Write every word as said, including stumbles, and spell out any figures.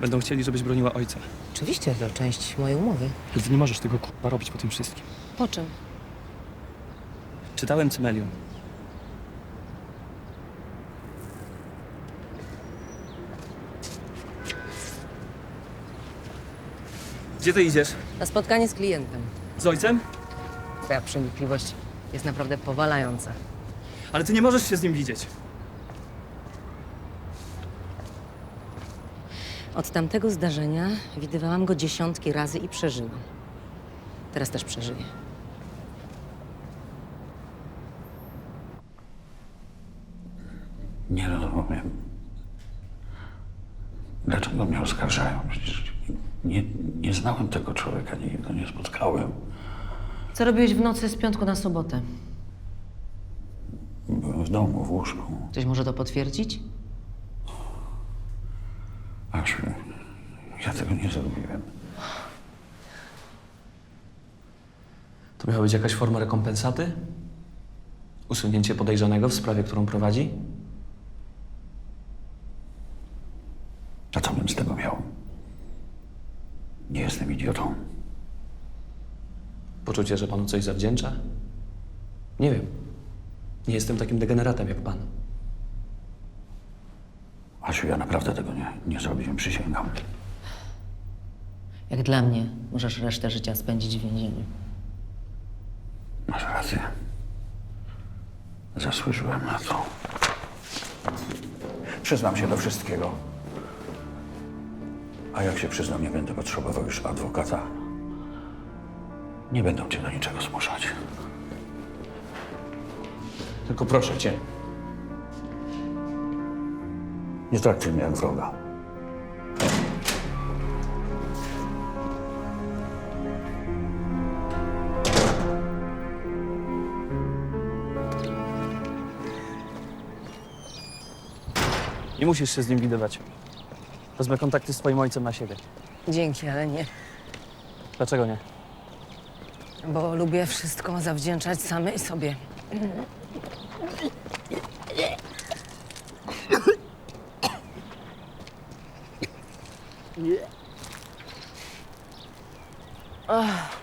Będą chcieli, żebyś broniła ojca. Oczywiście, to część mojej umowy. Ale ty nie możesz tego kurwa robić po tym wszystkim. Po czym? Czytałem Cymelium. Gdzie ty idziesz? Na spotkanie z klientem. Z ojcem? Twoja przenikliwość jest naprawdę powalająca. Ale ty nie możesz się z nim widzieć. Od tamtego zdarzenia widywałam go dziesiątki razy i przeżyłam. Teraz też przeżyję. Nie rozumiem. Dlaczego mnie oskarżają? Przecież nie, nie znałem tego człowieka, nigdy go nie spotkałem. Co robiłeś w nocy z piątku na sobotę? Byłem w domu, w łóżku. Ktoś może to potwierdzić? Asiu, ja tego nie zrobiłem. To miała być jakaś forma rekompensaty? Usunięcie podejrzanego w sprawie, którą prowadzi? A co bym z tego miał? Nie jestem idiotą. Poczucie, że panu coś zawdzięcza? Nie wiem. Nie jestem takim degeneratem jak pan. Asiu, ja naprawdę tego nie, nie zrobiłem, przysięgam. Jak dla mnie, możesz resztę życia spędzić w więzieniu. Masz rację. Zasłużyłem na to. Przyznam się do wszystkiego. A jak się przyznam, nie będę potrzebował już adwokata. Nie będą cię do niczego zmuszać. Tylko proszę cię. Nie traktuj mnie jak wroga. Nie musisz się z nim widywać. Wezmę kontakty z twoim ojcem na siebie. Dzięki, ale nie. Dlaczego nie? Bo lubię wszystko zawdzięczać samej sobie. Ach.